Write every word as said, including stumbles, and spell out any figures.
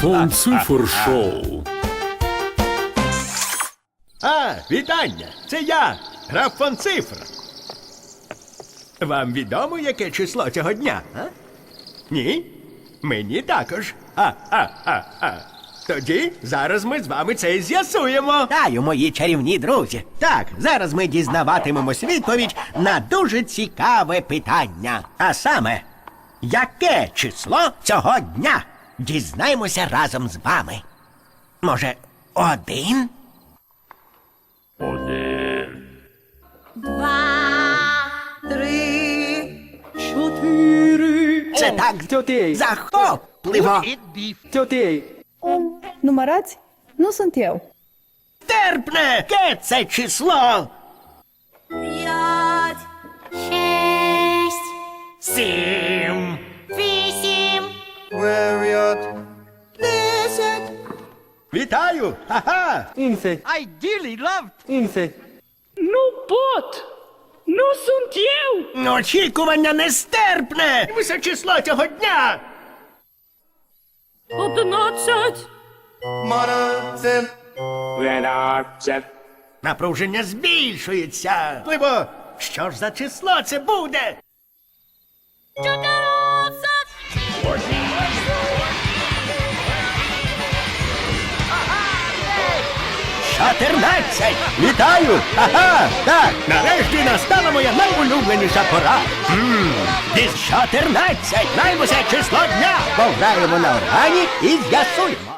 Фон Цифр Шоу. А, вітання! Це я, граф фон Цифр. Вам відомо, яке число цього дня, а? Ні? Мені також. А, а, а, а. Тоді зараз ми з вами це і з'ясуємо. Вітаю, мої чарівні друзі. Так, зараз ми дізнаватимемось відповідь на дуже цікаве питання. А саме, яке число цього дня? Дізнаємося разом з вами. Може, один? Один. Два, три, Чотири. Це так Чотири. захопливо. Чотири. Numărați? Nu sunt eu. Терпне! Яке це число? п'ять, шість, Сім. вісім, Десять. Вітаю! Ха-ха! Інфе. Інфе. Nu pot! Nu sunt eu! Очікування нестерпне! Висе число цього дня! Одинадцять! Напруження збільшується. Пливо, що ж за число це буде? чотирнадцять, Чотирнадцять. Вітаю! Ага! Так, нарешті настала моя найулюбленіша пора. Ммм, десь чотирнадцять. Наймося число дня! Пограємо на органі і з'ясуємо.